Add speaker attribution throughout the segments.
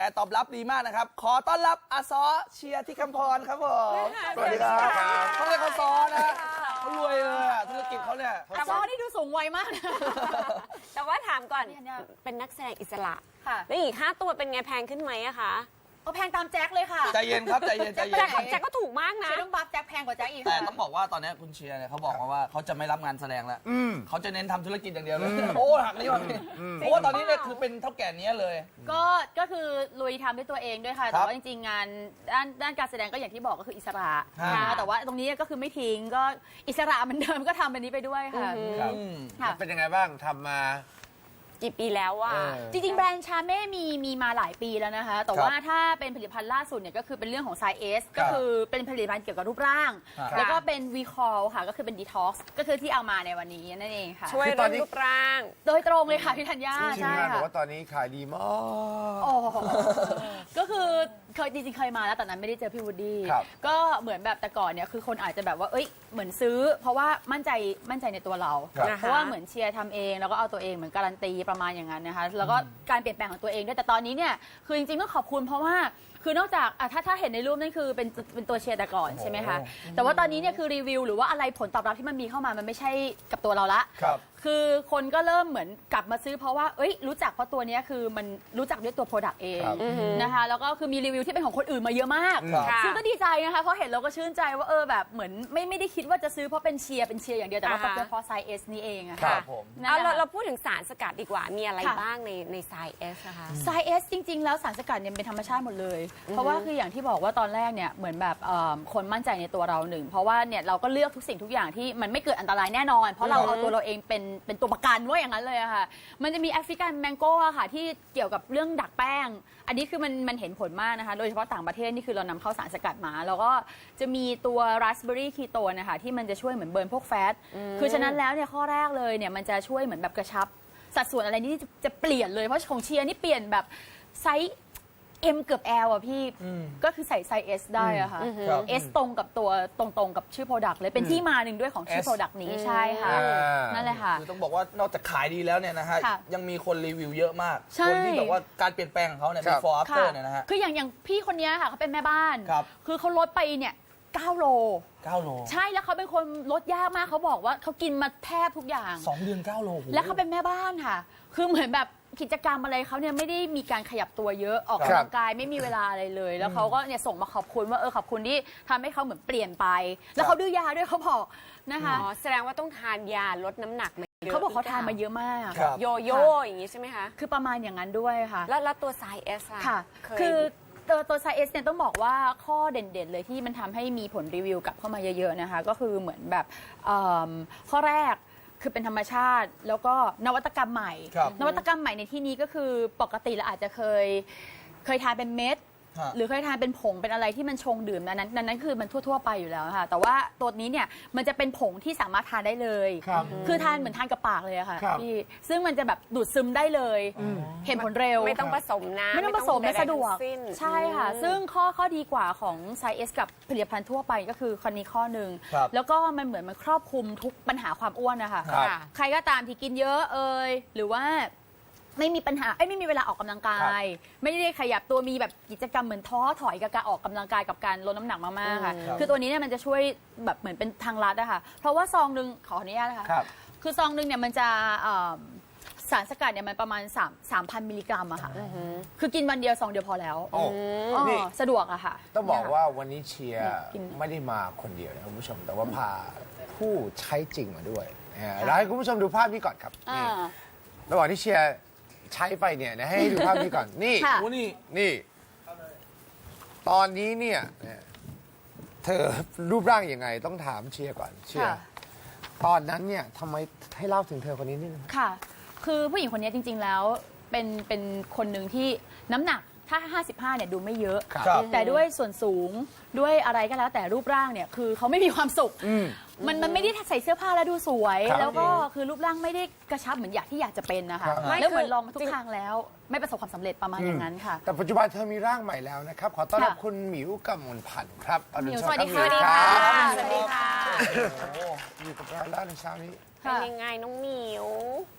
Speaker 1: ตอบรับดีมากนะครับขอต้อนรับอาซอเชียร์ที่คำพรครับผม
Speaker 2: สวัสดีครับ
Speaker 1: เขาเรียกเขาซอนะเขารวยเลยธุรกิจเขาเนี่ย
Speaker 3: แต่ซอนี่ดูสูงวัยมากนะ
Speaker 4: แต่ว่าถามก่อนเป็นนักแสดงอิสระแล้วอีก5 ตัวเป็นไงแพงขึ้นไหมอะคะ
Speaker 3: แพงตามแจ็คเลยค่ะ
Speaker 1: ใจเย็นครับใจเย็นใจเย็น
Speaker 4: แจ็คก็ถูกมากนะ
Speaker 3: เชียร์ต้องบัฟแจ็คแพงกว่าแจ็คอีก
Speaker 1: แต่ต้องบอกว่าตอนนี้คุณเชียร์เนี่ยเขาบอกมาว่าเขาจะไม่รับงานแสดงแล้วเขาจะเน้นทำธุรกิจอย่างเดียวเลยโอ้หักนี้วันนี้เพราะว่าตอนนี้เนี่ยคือเป็นเท่าแก่เนี้ยเลย
Speaker 3: ก็คือลุยทำด้วยตัวเองด้วยค่ะแต่ว่าจริงๆงานด้านการแสดงก็อย่างที่บอกก็คืออิสระนะคะแต่ว่าตรงนี้ก็คือไม่ทิ้งก็อิสระเหมือนเดิมก็ทำแบบนี้ไปด้วยค่ะ
Speaker 2: เป็นยังไงบ้างทำมา
Speaker 4: กี่ปีแล้วอะ
Speaker 3: จริงๆแบรนด์ชาเม่มีมาหลายปีแล้วนะคะแต่ว่าถ้าเป็นผลิตภัณฑ์ล่าสุดเนี่ยก็คือเป็นเรื่องของ Size S ก็คือเป็นผลิตภัณฑ์เกี่ยวกับรูปร่างแล้วก็เป็น Recall ค่ะก็คือเป็น Detox ก็คือที่เอามาในวันนี้นั่นเองค่ะ
Speaker 4: ช่วยเรื่องรูปร่าง
Speaker 3: โดยตรงเลยค่ะพี่ธัญญาใช่ค่ะ
Speaker 2: บอกว่าตอนนี้ขายดีมาก
Speaker 3: ก็คือเคยจริงๆเคยมาแล้วแต่นั้นไม่ได้เจอพี่วูดดี้ก็เหมือนแบบแต่ก่อนเนี่ยคือคนอาจจะแบบว่าเหมือนซื้อเพราะว่ามั่นใจในตัวเราเพราะว่าเหมือนเชียร์ทำเองแล้วก็เอาตัวเองเหมือนการันตีประมาณอย่างนั้นนะคะแล้วก็การเปลี่ยนแปลงของตัวเองด้วยแต่ตอนนี้เนี่ยคือจริงๆก็ขอบคุณเพราะว่าคือนอกจากถ้าเห็นในรูปนั่นคือเป็นตัวเชียร์แต่ก่อนใช่ไหมคะแต่ว่าตอนนี้เนี่ยคือรีวิวหรือว่าอะไรผลตอบรับที่มันมีเข้ามามันไม่ใช่กับตัวเราละคือคนก็เริ่มเหมือนกลับมาซื้อเพราะว่ารู้จักเพราะตัวนี้คือมันรู้จักด้วยตัวโปรดักต์เองนะคะแล้วก็คือมีรีวิวที่เป็นของคนอื่นมาเยอะมากซึ่งก็ดีใจนะคะเพราะเห็นเราก็ชื่นใจว่าแบบเหมือนไม่ได้คิดว่าจะซื้อเพราะเป็นเชียร์อย่างเดียวแต่ว่าเป็นเพราะไซส์ S นี่เองอะค่ะ
Speaker 4: เราพูดถึงสารสกัดดีกว่ามีอะไรบ้างในไซส์ S นะคะ
Speaker 3: ไซส์ S จริงๆแล้วสารสกัดเนี่ยเป็นธรรมชาติหมดเลยเพราะว่าคืออย่างที่บอกว่าตอนแรกเนี่ยเหมือนแบบคนมั่นใจในตัวเราหนึ่งเพราะว่าเนี่ยเราก็เลือกทุกสิ่งทุกอย่างที่มันไม่เกิดอันตรายแน่นอนเพราะเราเอาตัวเราเองเป็นตัวประกันว่าอย่างนั้นเลยอะค่ะมันจะมีแอฟริกันแมงโก้อะค่ะที่เกี่ยวกับเรื่องดักแป้งอันนี้คือมันเห็นผลมากนะคะโดยเฉพาะต่างประเทศนี่คือเรานำเข้าสารสกัดมาแล้วก็จะมีตัวราสเบอร์รี่คีโตนนะคะที่มันจะช่วยเหมือนเบิร์นพวกแฟตคือฉะนั้นแล้วเนี่ยข้อแรกเลยเนี่ยมันจะช่วยเหมือนแบบกระชับสัดส่วนอะไรนี่จะเปลี่ยนเลยเพราะของเชียร์นี่เปลี่ยนแบบไซส์M เกือบ L อ่ะพี่ก็คือใส่ไซส์ S ได้อะค่ะ S ตรงกับตัวตรงกับชื่อ Product เลยเป็นที่มาหนึ่งด้วยของชื่อ Product นี้ใช่ค่ะนั่นแหละค่ะ
Speaker 1: คือต้องบอกว่านอกจากขายดีแล้วเนี่ยนะฮะยังมีคนรีวิวเยอะมากคนที่แบบว่าการเปลี่ยนแปลงของเขาเนี่ย before after เนี่ยนะฮะ
Speaker 3: คืออย่างพี่คนนี้ค่ะเขาเป็นแม่บ้านคือเขาลดไปเนี่ย9 โลใช่แล้วเขาเป็นคนลดยากมากเขาบอกว่าเขากินมาแทบทุกอย่าง
Speaker 1: 2 เดือน9 โล
Speaker 3: แล้วเขาเป็นแม่บ้านค่ะคือเหมือนแบบกิจกรรมอะไรเขาเนี่ยไม่ได้มีการขยับตัวเยอะออกกำลังกายไม่มีเวลาอะไรเลยแล้วเขาก็เนี่ยส่งมาขอบคุณว่าขอบคุณที่ทำให้เขาเหมือนเปลี่ยนไปแล้วเขาดื้อยาด้วยเขาบอกนะคะ
Speaker 4: แสดงว่าต้องทานยาลดน้ำหนัก
Speaker 3: เขาบอกเขาทานมาเยอะมาก
Speaker 4: โยโย่อย่างนี้ใช่ไหมคะ
Speaker 3: คือประมาณอย่างนั้นด้วยค่ะ
Speaker 4: แล้วตัวไซส์ S
Speaker 3: ค่ะคือตัวไซส์ S เนี่ยต้องบอกว่าข้อเด่นๆเลยที่มันทำให้มีผลรีวิวกลับเข้ามาเยอะๆนะคะก็คือเหมือนแบบข้อแรกคือเป็นธรรมชาติแล้วก็นวัตกรรมใหม่นวัตกรรมใหม่ในที่นี้ก็คือปกติเราอาจจะเคยทานเป็นเม็ดหรือเคยทานเป็นผงเป็นอะไรที่มันชงดื่มนั้นคือมันทั่วๆไปอยู่แล้วค่ะแต่ว่าตัวนี้เนี่ยมันจะเป็นผงที่สามารถทานได้เลยคือทานเหมือนทานกับปากเลยอะค่ะพี่ซึ่งมันจะแบบดูดซึมได้เลยเห็นผลเร็ว
Speaker 4: ไม่ต้องผสมน้ำ
Speaker 3: ไม่ต้องผสมและสะดวกใช่ค่ะซึ่งข้อดีกว่าของไซส์ S กับผลิตภัณฑ์ทั่วไปก็คือคนนี้ข้อหนึ่งแล้วก็มันเหมือนมันครอบคลุมทุกปัญหาความอ้วนนะคะใครก็ตามที่กินเยอะหรือว่าไม่มีปัญหาไม่มีเวลาออกกำลังกายไม่ได้ขยับตัวมีแบบกิจกรรมเหมือนท้อถอยกับการออกกำลังกายกับการลดน้ำหนักมากๆค่ะคือตัวนี้เนี่ยมันจะช่วยแบบเหมือนเป็นทางลัดอะค่ะเพราะว่าซองนึงขออนุญาตนะคะคือซองนึงเนี่ยมันจะสารสกัดเนี่ยมันประมาณ3,000 มิลลิกรัมอะค่ะคือกินวันเดียวซองเดียวพอแล้วสะดวกอะค่ะ
Speaker 2: ต้องบอกว่าวันนี้เชียร์ไม่ได้มาคนเดียวนะคุณผู้ชมแต่ว่าพาผู้ใช้จริงมาด้วยแล้วให้คุณผู้ชมดูภาพนี้ก่อนครับนี่ระหว่างที่เชียร์ใช้ไปเนี่ยนะให้ดูภาพนี้ก่อนนี่ตอนนี้เนี่ยเธอรูปร่างยังไงต้องถามเชียร์ก่อนเชียร์ตอนนั้นเนี่ยทำไมให้เล่าถึงเธอคนนี้นิดนึง
Speaker 3: ค่ะคือผู้หญิงคนนี้จริงๆแล้วเป็นคนหนึ่งที่น้ำหนักถ้า55เนี่ยดูไม่เยอะแต่ด้วยส่วนสูงด้วยอะไรก็แล้วแต่รูปร่างเนี่ยคือเขาไม่มีความสุขมันไม่ได้ใส่เสื้อผ้าแล้วดูสวยแล้วก็คือรูปร่างไม่ได้กระชับเหมือนอยากจะเป็นนะคะแล้วเหมือนลองมาทุกทางแล้วไม่ประสบความสำเร็จประมาณอย่างนั้นค่ะ
Speaker 2: แต่ปัจจุบันเธอมีร่างใหม่แล้วนะครับขอต้อนรับคุณหมิวกมลพันธ์ครับ
Speaker 3: สวัสดีค่ะ
Speaker 4: สวัสดีค่ะ
Speaker 2: อยู่กับเราแล้วในเช้านี้
Speaker 4: เป็นยังไงน้องหมิว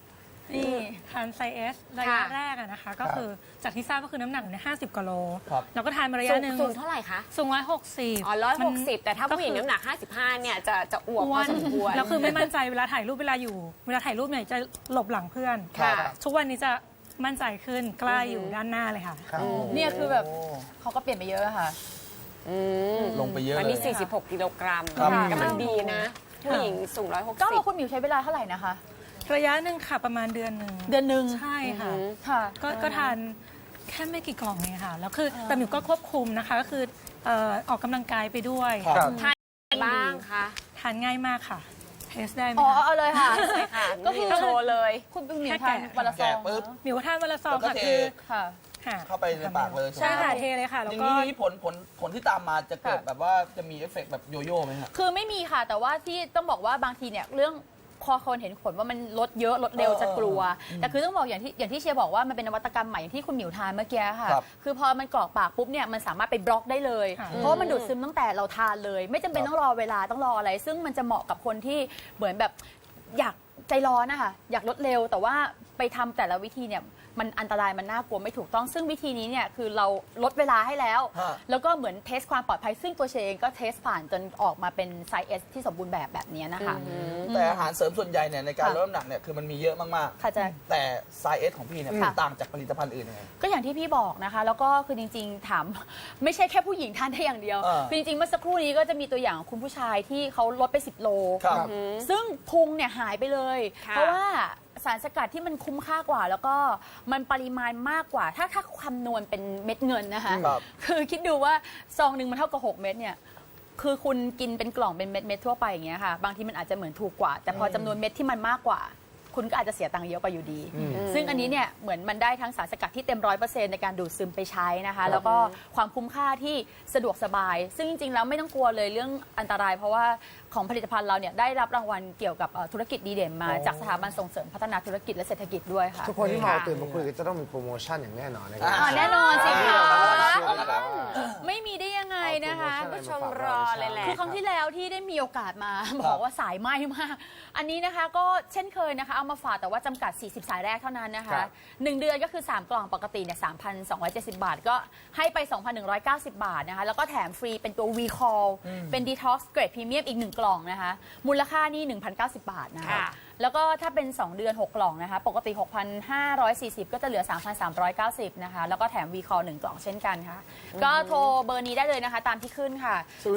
Speaker 3: นี่
Speaker 5: ทานไซเอสระยะแรกอะนะคะ ก็คือจากที่ทราบก็คือน้ำหนักเนี่ย50กว่าโล
Speaker 1: ครับ
Speaker 5: แล้วก็ทานมาระยะหนึ่ง
Speaker 4: สูงเท่าไหร่คะ
Speaker 5: สูง160
Speaker 4: อ๋อ160 แต่ถ้าผู้หญิงน้ำหนัก 55 เนี่ยจะอ้วกพอสมควร
Speaker 5: แล้วคือไม่มั่นใจเวลาถ่ายรูปเวลาถ่ายรูปเนี่ยจะหลบหลังเพื่อน
Speaker 4: ค่ะ
Speaker 5: ทุกวันนี้จะมั่นใจขึ้นกล้าอยู่ด้านหน้าเลยค่ะ
Speaker 2: ครับ
Speaker 3: เนี่ยคือแบบเขาก็เปลี่ยนไปเยอะค่ะ
Speaker 1: ลงไปเยอะ
Speaker 4: วัน
Speaker 1: เล
Speaker 4: นี้
Speaker 1: ย
Speaker 4: 46 กิโลกรัม
Speaker 1: ครับ
Speaker 4: กำลังดีนะ ผู้หญิงสูง
Speaker 3: ก็ว่า
Speaker 4: 160
Speaker 3: คุณหมิวใช้เวลาเท่าไหร่นะคะ
Speaker 5: ระยะหนึ่งค่ะประมาณเดือนหนึ่ง
Speaker 3: เดือนหนึ่ง
Speaker 5: ใช่ค่ะ
Speaker 3: ค่ะ
Speaker 5: ก็ทานแค่ไม่กี่กล่องเองค่ะ แล้วคือแต่หมิวก็ควบคุมนะคะ ก็คือออกกำลังกายไปด้วย
Speaker 1: ครับ
Speaker 4: ทานบ้างคะ
Speaker 5: ทานง่ายมากค่ะ เทสได้ไหม
Speaker 3: อ๋อ
Speaker 5: คะ
Speaker 3: เอาเลยค่ะ
Speaker 4: ใช่ค่ะ
Speaker 3: ก็คือ
Speaker 4: โชว์เลย
Speaker 3: คุณหมิว
Speaker 5: แค่
Speaker 3: ทาน
Speaker 5: แกะ
Speaker 3: วันละซ
Speaker 1: แกะ
Speaker 3: อง
Speaker 1: ปุ๊บ
Speaker 5: หมิวทานวันละซอง
Speaker 1: แล้วก็
Speaker 5: ค่ะ
Speaker 1: เท
Speaker 5: คือ
Speaker 3: ค่ะ
Speaker 5: ค่ะ
Speaker 1: เข้าไปในปากเลย
Speaker 5: ใช่ค่ะ
Speaker 1: ไหม
Speaker 5: เทเลยค่ะ
Speaker 1: อ
Speaker 5: แล้ว
Speaker 1: ย่าง
Speaker 5: ก็
Speaker 1: นี้ผลที่ตามมาจะเกิดแบบว่าจะมีเอฟเฟกต์แบบโยโย่ไหมครับ
Speaker 3: คือไม่มีค่ะ แต่ว่าที่ต้องบอกว่าบางทีเนี่ยเรื่องพอคนเห็นผลว่ามันลดเยอะลดเร็วจะกลัว แต่คือต้องบอกอย่างที่เชียร์บอกว่ามันเป็นนวัตกรรมใหม่อย่างที่คุณหมิวทานเมื่อกี้ค่ะ
Speaker 1: ครับ
Speaker 3: คือพอมันกรอกปากปุ๊บเนี่ยมันสามารถไปบล็อกได้เลย
Speaker 5: ค่ะ
Speaker 3: เพราะว่ามันดูดซึมตั้งแต่เราทานเลย ไม่จำเป็นต้องรอเวลาต้องรออะไร ซึ่งมันจะเหมาะกับคนที่เหมือนแบบอยากใจร้อนนะคะอยากลดเร็ว แต่ว่าไปทำแต่ละวิธีเนี่ยมันอันตรายมันน่ากลัวไม่ถูกต้อง ซึ่งวิธีนี้เนี่ยคือเราลดเวลาให้แล้ว
Speaker 1: ฮะ
Speaker 3: แล้วก็เหมือนเทสความปลอดภัยซึ่งตัวเชงก็เทสผ่านจนออกมาเป็นไซส์ S ที่สมบูรณ์แบบนี้นะคะ
Speaker 1: แต่อาหารเสริมส่วนใหญ่เนี่ยในการลดน้ำหนักเนี่ยคือมันมีเยอะมาก
Speaker 3: ค่ะแจ็ค
Speaker 1: ๆ แต่ไซส์เอสของพี่เนี่ย
Speaker 3: ค่ะ
Speaker 1: ต่างจากผลิตภัณฑ์อื่นยังไง
Speaker 3: ก็อย่างที่พี่บอกนะคะ แล้วก็คือจริงๆถาม ไม่ใช่แค่ผู้หญิงทานได้อย่างเดียว คือจริงๆเมื่อสักครู่นี้ก็จะมีตัวอย่างของคุณผู้ชายที่เขาลดไป 10 โล
Speaker 1: ครับ
Speaker 3: ซึ่งพุงเนี่ยหายไปเลย
Speaker 4: ค่ะ
Speaker 3: เพราะว่าสารสกัดที่มันคุ้มค่ากว่า แล้วก็มันปริมาณมากกว่า ถ้าคำนวณเป็นเม็ดเงินนะคะ
Speaker 1: ครับ
Speaker 3: คือคิดดูว่าซองหนึ่งมันเท่ากับ 6 เม็ดเนี่ย คือคุณกินเป็นกล่องเป็นเม็ดๆทั่วไปอย่างเงี้ยค่ะ บางทีมันอาจจะเหมือนถูกกว่า แต่พอจำนวนเม็ดที่มันมากกว่า คุณก็อาจจะเสียตังค์เยอะกว่าอยู่ดี ซึ่งอันนี้เนี่ยเหมือนมันได้ทั้งสารสกัดที่เต็ม100%ในการดูดซึมไปใช้นะคะ แล้วก็ความคุ้มค่าที่สะดวกสบาย ซึ่งจริงๆแล้วไม่ต้องกลัวเลยเรื่องอันตราย เพราะว่าของผลิตภัณฑ์เราเนี่ยได้รับรางวัลเกี่ยวกับธุรกิจดีเด่นมาจากสถาบันส่งเสริมพัฒนาธุรกิจและเศรษฐกิจด้วยค่ะ
Speaker 2: ทุกคนที่มาตื่นมาคุยกันจะต้องมีโปรโมชั่นอย่างแน่นอนนะครับ
Speaker 3: แน่นอนสิคะ
Speaker 2: เชื่อแล้ว
Speaker 3: ไม่มีได้ยังไงนะคะ
Speaker 2: เอาโปรโมชั่น
Speaker 4: ผู้ชมรอเลยแหละ
Speaker 3: คือครั้งที่แล้วที่ได้มีโอกาสมา บอกว่าสายไหม้มาก อันนี้นะคะก็เช่นเคยนะคะเอามาฝากแต่ว่าจำกัด 40 สายแรกเท่านั้นนะคะ 1 เดือนก็คือ 3 กล่องปกติเนี่ย 3,270 บาท ก็ให้ไป 2,190 บาทนะคะ แล้วก็แถมฟรีเป็นตัว V Call เป็น Detox Grade Premium อีก 1 กล่องนะคะ มูลค่านี่ 1,090 บาทนะคะ
Speaker 4: ค่ะ
Speaker 3: แล้วก็ถ้าเป็น 2 เดือน 6 กล่องนะคะ ปกติ 6,540 ก็จะเหลือ 3,390 นะคะ แล้วก็แถม V Call 1 กล่องเช่นกันค่ะ ก็โทรเบอร์นี้ได้เลยนะคะ ตามที่ขึ้นค่ะ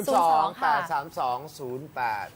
Speaker 2: 02
Speaker 3: ค่ะ
Speaker 2: 832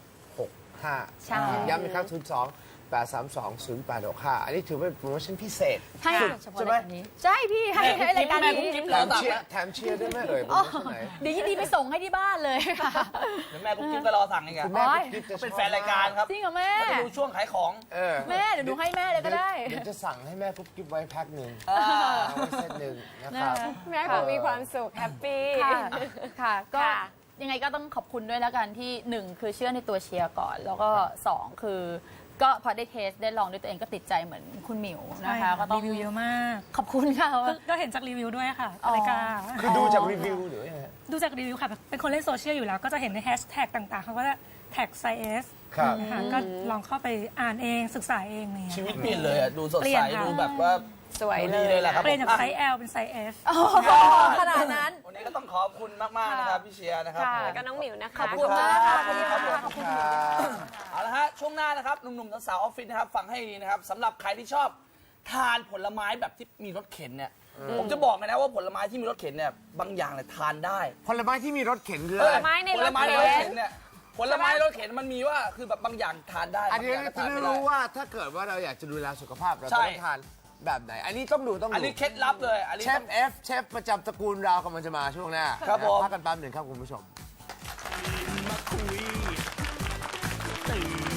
Speaker 2: 0865
Speaker 3: ใช่
Speaker 2: ย้ำอีกครั้ง02 832 0865 อันนี้ถือเป็นโปรโมชั่นพิเศษ
Speaker 3: ให้เฉพาะรายการนี้ ใช่พี่ให้รายการนี้
Speaker 2: แถมเชียร์ด้วยไหมเอ่ยโปรโมชั่นไหน
Speaker 3: เดี๋ยวยินดีไปส่งให้ที่บ้านเลยค่ะ
Speaker 1: เดี๋ยวแม่กุ๊กกิ๊บก็รอสั่งเองอะ
Speaker 2: คุณแม่กุ๊กกิ๊บจะชอบ
Speaker 1: เป็นแฟนรายการครับ
Speaker 3: จริงเหรอแม่
Speaker 1: เขาจะดูช่วงขายของ
Speaker 2: เออ
Speaker 3: แม่เดี๋ยวหนูให้แม่เลยก็ได้
Speaker 2: เดี๋ยวจะสั่งให้แม่กุ๊บกิ๊บไว้แพ็คหนึ่ง
Speaker 1: อ่า
Speaker 2: เอาไว้เซตหนึ่งนะครับ
Speaker 4: แม่คงมีความสุขแฮปปี้
Speaker 3: ค่ะค่ะ ก็
Speaker 4: ค่ะ
Speaker 3: ยังไงก็ต้องขอบคุณด้วยแล้วกันที่หนึ่งคือเชื่อในตัวเชียร์ก่อน แล้วก็สองคือก็พอได้เทสได้ลองด้วยตัวเองก็ติดใจเหมือนคุณหมิว
Speaker 5: ใช่
Speaker 3: นะคะ
Speaker 5: ค่ะ
Speaker 3: ก็ต้อง
Speaker 5: รีวิวเยอะมาก
Speaker 3: ขอบคุณค่ะ
Speaker 5: ก็เห็นจากรีวิวด้วยค่ะ
Speaker 3: อ๋อ
Speaker 5: รายการ
Speaker 2: คือดูจากรีวิวหรือยังไง
Speaker 5: ดูจากรีวิวค่ะ เป็นคนเล่นโซเชียลอยู่แล้ว ก็จะเห็นในแฮชแท็กต่างๆ เขาก็จะแท็กไซเอส
Speaker 2: ครับ
Speaker 5: ค่ะก็ลองเข้าไปอ่านเองศึกษาเองอะไรอย่าง
Speaker 1: ชี
Speaker 5: เงี้ย
Speaker 1: วิตเปลี่ยนเลยอะดูสด
Speaker 5: เปลี่
Speaker 1: ใส
Speaker 5: ยนค่ะ
Speaker 1: ดูแบบว่า
Speaker 4: สวย
Speaker 1: ดู
Speaker 4: เล
Speaker 1: ดี
Speaker 4: ย
Speaker 1: เลยแหละครับ
Speaker 5: เปลี่ยนจาก
Speaker 1: ผม
Speaker 5: ไซส์ L เป็นไซส์ S
Speaker 3: ขนาดนั้น
Speaker 1: วันนี้ก็ต้องขอบคุณมากๆนะครับพี่เชียร์นะครับ
Speaker 3: ค่ะ
Speaker 1: ผม
Speaker 4: แล้วก็น้องหมิวนะคะ
Speaker 3: ขอบคุณมากค่ะ
Speaker 1: ขอบคุณครับผม
Speaker 3: ขอบคุณ
Speaker 1: เอาละฮะช่วงหน้านะครับหนุ่มๆสาวๆออฟฟิศนะครับฟังให้ดีนะครับสำหรับใครที่ชอบทานผลไม้แบบที่มีรสเข็นเนี่ยผมจะบอกเลยนะว่าผลไม้ที่มีรสเข็นเนี่ยบางอย่างเนี่ยทานได้
Speaker 2: ผลไม้ที่มีรสเข็นคือ
Speaker 4: ผ
Speaker 2: อะไร
Speaker 4: ลไม้ใน
Speaker 1: ผ
Speaker 4: ร
Speaker 1: ล
Speaker 4: ถ
Speaker 1: ไม้ในรถ
Speaker 4: เข็
Speaker 1: เข็
Speaker 4: น
Speaker 1: นเนี่ยผลไม้รถเข็นมันมีว่าคือแบบบางอย่างทานได้
Speaker 2: อันนี้
Speaker 1: บางอย่างก็
Speaker 2: จะ
Speaker 1: ทาน
Speaker 2: ได้
Speaker 1: ไม่ได้
Speaker 2: รู้ว่าถ้าเกิดว่าเราอยากจะดูแลสุขภาพเรา
Speaker 1: ใช่
Speaker 2: ต้องทานแบบไหน อันนี้ต้องดู
Speaker 1: อันนี้เคล็ดลับเลยอันนี้
Speaker 2: เช
Speaker 1: ต้
Speaker 2: ฟ
Speaker 1: อง
Speaker 2: เอฟเชฟประจำตระกูลเรากำลังจะมาช่วงหน้า
Speaker 1: ครับผม
Speaker 2: พักกันแป๊บหนึ่งครับคุณผู้ชม
Speaker 6: ตื่น